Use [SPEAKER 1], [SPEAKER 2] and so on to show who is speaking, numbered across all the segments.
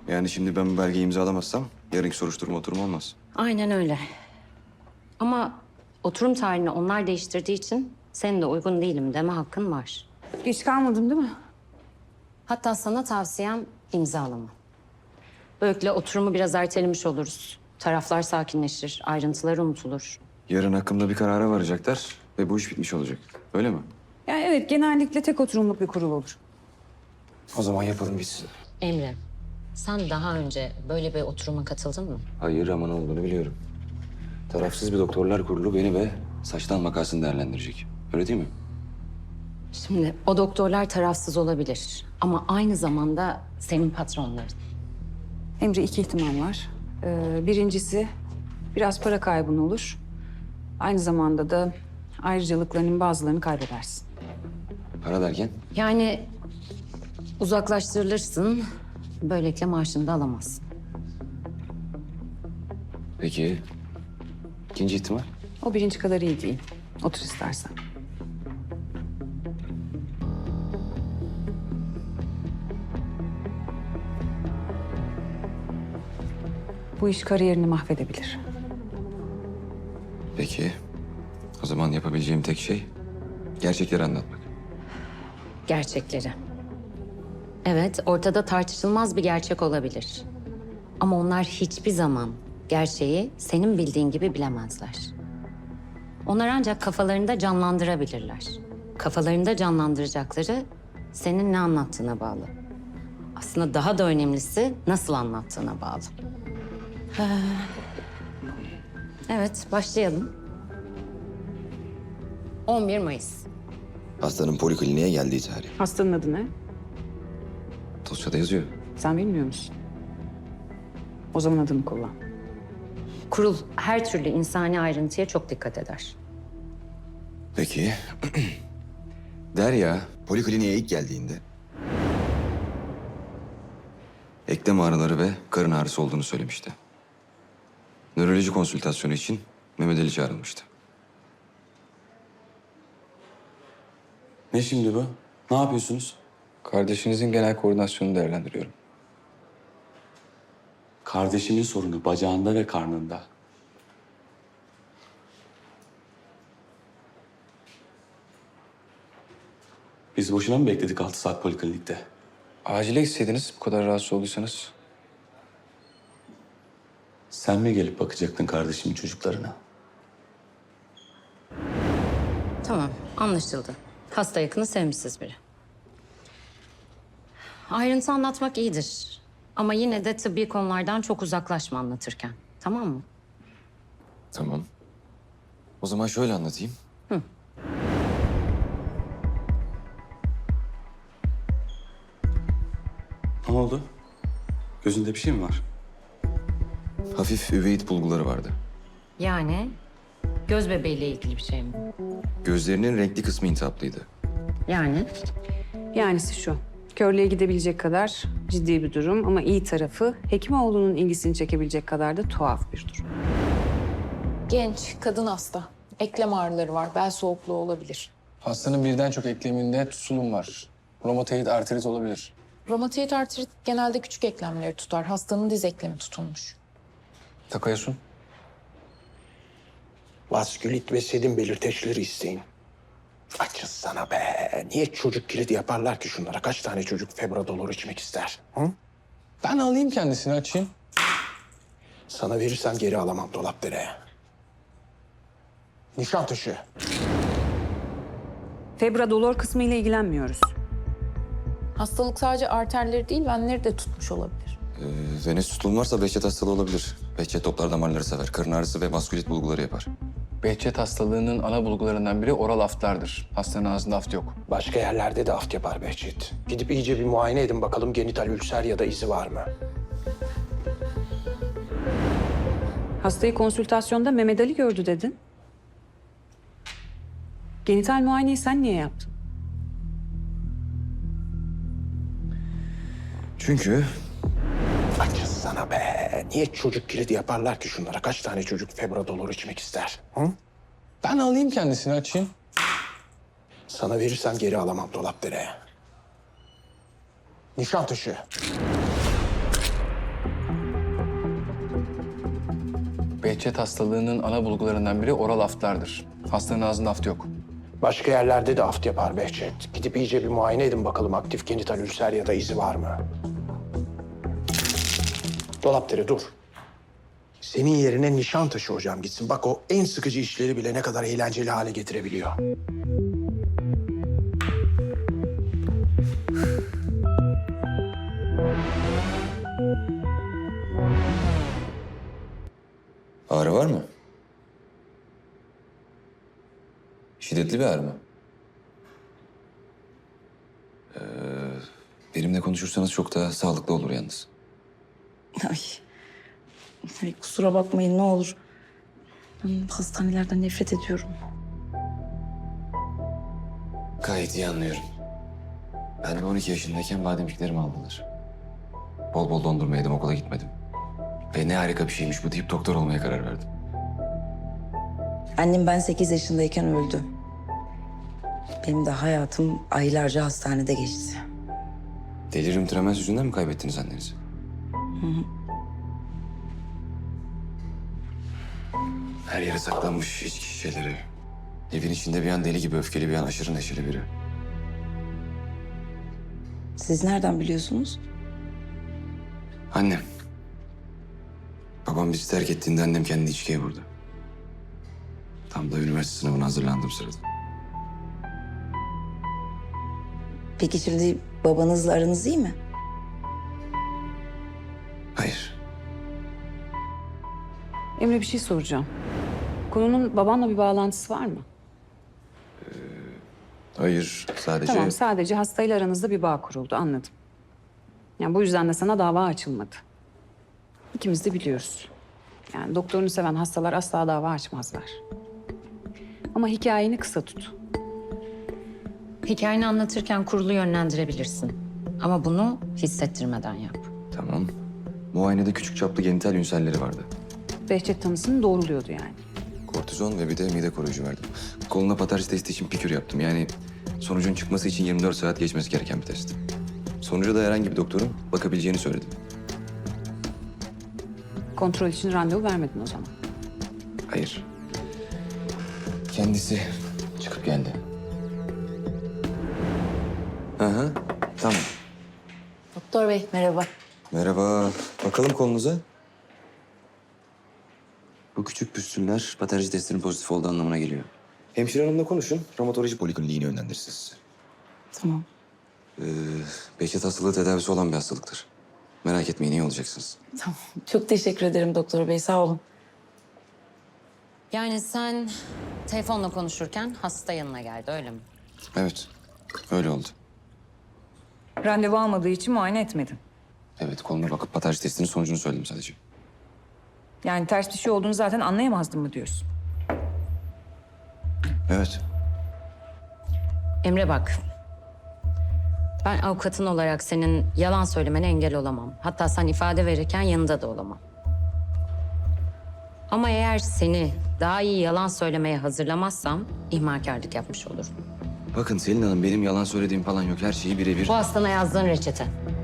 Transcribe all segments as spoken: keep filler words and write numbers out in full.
[SPEAKER 1] Yani şimdi ben bu belgeyi imzalamazsam yarınki soruşturma oturum olmaz.
[SPEAKER 2] Aynen öyle. Ama oturum tarihini onlar değiştirdiği için senin de uygun değilim deme hakkın var.
[SPEAKER 3] Geç kalmadım değil mi?
[SPEAKER 2] Hatta sana tavsiyem imzalama. Böylelikle oturumu biraz ertelemiş oluruz. Taraflar sakinleşir, ayrıntılar unutulur.
[SPEAKER 1] Yarın hakkımda bir karara varacaklar ve bu iş bitmiş olacak. Öyle mi?
[SPEAKER 3] Yani evet, genellikle tek oturumluk bir kurul olur.
[SPEAKER 1] O zaman yapalım bitsin.
[SPEAKER 2] Emre, sen daha önce böyle bir oturuma katıldın mı?
[SPEAKER 1] Hayır ama ne olduğunu biliyorum. Tarafsız bir doktorlar kurulu beni ve saçtan makasını değerlendirecek. Öyle değil mi?
[SPEAKER 2] Şimdi o doktorlar tarafsız olabilir ama aynı zamanda senin patronların.
[SPEAKER 3] Emre, iki ihtimal var. Ee, birincisi biraz para kaybın olur. Aynı zamanda da ayrıcalıklarının bazılarını kaybedersin.
[SPEAKER 1] Para derken?
[SPEAKER 2] Yani uzaklaştırılırsın, böylelikle maaşını da alamazsın.
[SPEAKER 1] Peki ikinci ihtimal?
[SPEAKER 3] O birinci kadar iyi değil. Otur istersen. Bu iş kariyerini mahvedebilir.
[SPEAKER 1] Peki o zaman yapabileceğim tek şey gerçekleri anlatmak.
[SPEAKER 2] Gerçekleri. Evet, ortada tartışılmaz bir gerçek olabilir. Ama onlar hiçbir zaman gerçeği senin bildiğin gibi bilemezler. Onlar ancak kafalarında canlandırabilirler. Kafalarında canlandıracakları senin ne anlattığına bağlı. Aslında daha da önemlisi nasıl anlattığına bağlı. Ee, Evet, başlayalım. on bir Mayıs.
[SPEAKER 1] Hastanın polikliniğe geldiği tarih.
[SPEAKER 3] Hastanın adı ne?
[SPEAKER 1] Dosyada yazıyor.
[SPEAKER 3] Sen bilmiyor musun? O zaman adını kullan.
[SPEAKER 2] Kurul her türlü insani ayrıntıya çok dikkat eder.
[SPEAKER 1] Peki. Derya polikliniğe ilk geldiğinde eklem ağrıları ve karın ağrısı olduğunu söylemişti. Nöroloji konsültasyonu için Mehmet Ali çağrılmıştı.
[SPEAKER 4] Ne şimdi bu? Ne yapıyorsunuz?
[SPEAKER 5] Kardeşinizin genel koordinasyonunu değerlendiriyorum.
[SPEAKER 4] Kardeşimin sorunu bacağında ve karnında. Biz boşuna mı bekledik altı saat poliklinikte?
[SPEAKER 5] Acile gitseydiniz bu kadar rahatsız olduysanız.
[SPEAKER 4] Sen mi gelip bakacaktın kardeşimin çocuklarına?
[SPEAKER 2] Tamam, anlaşıldı. Hasta yakını sevmişsiz biri. Ayrıntı anlatmak iyidir. Ama yine de tıbbi konulardan çok uzaklaşma anlatırken. Tamam mı?
[SPEAKER 1] Tamam. O zaman şöyle anlatayım.
[SPEAKER 4] Ne oldu? Gözünde bir şey mi var?
[SPEAKER 1] Hafif üveit bulguları vardı.
[SPEAKER 2] Yani göz bebeğiyle ilgili bir şey mi?
[SPEAKER 1] Gözlerinin renkli kısmı intihaplıydı.
[SPEAKER 2] Yani
[SPEAKER 3] Yanisi şu. Körlüğe gidebilecek kadar ciddi bir durum ama iyi tarafı Hekimoğlu'nun ilgisini çekebilecek kadar da tuhaf bir durum.
[SPEAKER 6] Genç, kadın hasta. Eklem ağrıları var, bel soğukluğu olabilir.
[SPEAKER 5] Hastanın birden çok ekleminde tutulum var. Romatoid artrit olabilir.
[SPEAKER 6] Romatoid artrit genelde küçük eklemleri tutar. Hastanın diz eklemi tutulmuş.
[SPEAKER 5] Takayasun.
[SPEAKER 7] Vaskülit ve sedim belirteçleri isteyin. Açız sana be. Niye çocuk kilidi yaparlar ki şunlara? Kaç tane çocuk febradolor içmek ister? Hı?
[SPEAKER 5] Ben alayım kendisini açayım.
[SPEAKER 7] Sana verirsem geri alamam Dolapdere'ye. Nişantaşı.
[SPEAKER 3] Febradolor kısmı ile ilgilenmiyoruz.
[SPEAKER 6] Hastalık sadece arterleri değil, venleri de tutmuş olabilir.
[SPEAKER 1] Ee, venöz tutulum varsa Behçet hastalığı olabilir. Behçet toplar damarları sever. Karın ağrısı ve vaskülit bulguları yapar.
[SPEAKER 5] Behçet hastalığının ana bulgularından biri oral aftlardır. Hastanın ağzında aft yok.
[SPEAKER 7] Başka yerlerde de aft yapar Behçet. Gidip iyice bir muayene edin bakalım genital ülser ya da izi var mı?
[SPEAKER 3] Hastayı konsültasyonda Mehmet Ali gördü dedin. Genital muayeneyi sen niye yaptın?
[SPEAKER 1] Çünkü
[SPEAKER 7] Açız sana be. Niye çocuk kilidi yaparlar ki şunlara? Kaç tane çocuk febradolor içmek ister? Hı?
[SPEAKER 5] Ben alayım kendisini açayım.
[SPEAKER 7] Sana verirsem geri alamam Dolapdere'ye. Nişantaşı.
[SPEAKER 5] Behçet hastalığının ana bulgularından biri oral aftlardır. Hastanın ağzında aft yok.
[SPEAKER 7] Başka yerlerde de aft yapar Behçet. Gidip iyice bir muayene edin bakalım aktif genital ülser ya da izi var mı? Dolapdere dur. Senin yerine Nişantaşı hocam gitsin. Bak o en sıkıcı işleri bile ne kadar eğlenceli hale getirebiliyor.
[SPEAKER 1] Ağrı var mı? Şiddetli bir ağrı mı? Ee, benimle konuşursanız çok daha sağlıklı olur yalnız.
[SPEAKER 8] Ay. Ay, kusura bakmayın ne olur. Ben hastanelerden nefret ediyorum.
[SPEAKER 1] Gayet iyi anlıyorum. Ben de on iki yaşındayken bademciklerimi aldılar. Bol bol dondurma yedim, okula gitmedim. Ve ne harika bir şeymiş bu deyip doktor olmaya karar verdim.
[SPEAKER 8] Annem ben sekiz yaşındayken öldü. Benim de hayatım aylarca hastanede geçti.
[SPEAKER 1] Delirium tremens yüzünden mi kaybettiniz annenizi? Her yere saklanmış içki şişeleri. Evin içinde bir an deli gibi öfkeli, bir an aşırı neşeli biri.
[SPEAKER 8] Siz nereden biliyorsunuz?
[SPEAKER 1] Annem. Babam bizi terk ettiğinde annem kendini içkiye vurdu. Tam da üniversite sınavına hazırlandığım sırada.
[SPEAKER 8] Peki şimdi babanızla aranız iyi mi?
[SPEAKER 1] Hayır.
[SPEAKER 3] Emre bir şey soracağım. Konunun babanla bir bağlantısı var mı?
[SPEAKER 1] Hayır. Sadece...
[SPEAKER 3] Tamam, sadece hastayla aranızda bir bağ kuruldu, anladım. Yani bu yüzden de sana dava açılmadı. İkimiz de biliyoruz. Yani doktorunu seven hastalar asla dava açmazlar. Ama hikayeni kısa tut.
[SPEAKER 2] Hikayeni anlatırken kurulu yönlendirebilirsin. Ama bunu hissettirmeden yap.
[SPEAKER 1] Tamam. Muayenede küçük çaplı genital ünselleri vardı.
[SPEAKER 3] Behçet tanısını doğruluyordu yani.
[SPEAKER 1] Kortizon ve bir de mide koruyucu verdim. Koluna patarj testi için pikür yaptım. Yani sonucun çıkması için yirmi dört saat geçmesi gereken bir test. Sonuca da herhangi bir doktorun bakabileceğini söyledim.
[SPEAKER 3] Kontrol için randevu vermedin o zaman.
[SPEAKER 1] Hayır. Kendisi çıkıp geldi. Hı hı. Tamam.
[SPEAKER 8] Doktor bey merhaba.
[SPEAKER 1] Merhaba. Bakalım kolunuza. Bu küçük püstüller patarji testinin pozitif olduğu anlamına geliyor. Hemşire hanımla konuşun. Romatoloji polikliniğine yönlendirsin sizi.
[SPEAKER 8] Tamam.
[SPEAKER 1] Ee, Behçet hastalığı tedavisi olan bir hastalıktır. Merak etmeyin, iyi olacaksınız.
[SPEAKER 8] Tamam. Çok teşekkür ederim doktor bey sağ olun.
[SPEAKER 2] Yani sen telefonla konuşurken hasta yanına geldi, öyle mi?
[SPEAKER 1] Evet, öyle oldu.
[SPEAKER 9] Randevu almadığı için muayene etmedin.
[SPEAKER 1] Evet, koluna bakıp patarji testinin sonucunu söyledim sadece.
[SPEAKER 9] Yani ters bir şey olduğunu zaten anlayamazdın mı diyorsun?
[SPEAKER 1] Evet.
[SPEAKER 2] Emre bak. Ben avukatın olarak senin yalan söylemene engel olamam. Hatta sen ifade verirken yanında da olamam. Ama eğer seni daha iyi yalan söylemeye hazırlamazsam ihmalkarlık yapmış olurum.
[SPEAKER 1] Bakın Selin Hanım, benim yalan söylediğim falan yok. Her şeyi birebir...
[SPEAKER 2] Bu hastana yazdığın reçete.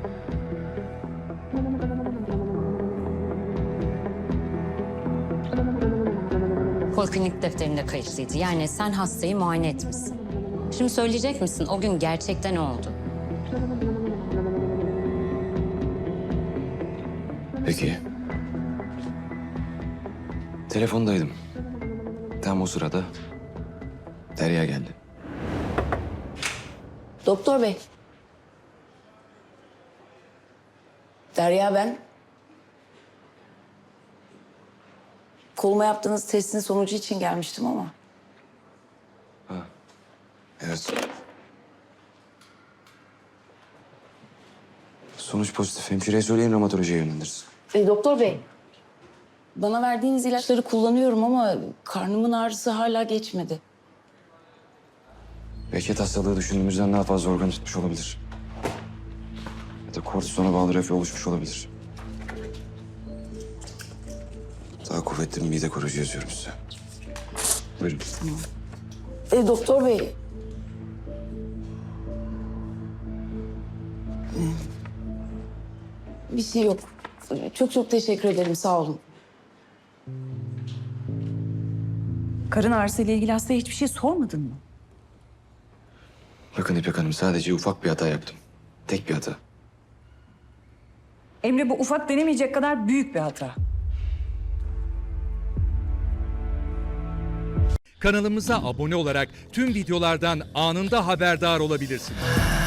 [SPEAKER 2] Poliklinik defterinde kayıtlıydı. Yani sen hastayı muayene etmişsin. Şimdi söyleyecek misin o gün gerçekten ne oldu?
[SPEAKER 1] Peki. Telefondaydım. Tam o sırada Derya geldi.
[SPEAKER 8] Doktor bey. Derya ben. Koluma yaptığınız testin sonucu için gelmiştim ama.
[SPEAKER 1] Evet. Sonuç pozitif. Hemşireye söyleyin, romatolojiye yönlendirsin.
[SPEAKER 8] E, doktor bey. Bana verdiğiniz ilaçları kullanıyorum ama karnımın ağrısı hala geçmedi.
[SPEAKER 1] Behçet hastalığı düşündüğümüzden daha fazla organ tutmuş olabilir. Ya da kortizona bağlı reflü oluşmuş olabilir. Daha kuvvetli bir mide koruyucu yazıyorum size. Buyurun.
[SPEAKER 8] E, doktor bey. Bir şey yok. Çok çok teşekkür ederim. Sağ olun.
[SPEAKER 9] Karın ağrısı ile ilgili hastaya hiçbir şey sormadın mı?
[SPEAKER 1] Bakın İpek Hanım, sadece ufak bir hata yaptım. Tek bir hata.
[SPEAKER 9] Emre, bu ufak denemeyecek kadar büyük bir hata.
[SPEAKER 10] Kanalımıza abone olarak tüm videolardan anında haberdar olabilirsiniz.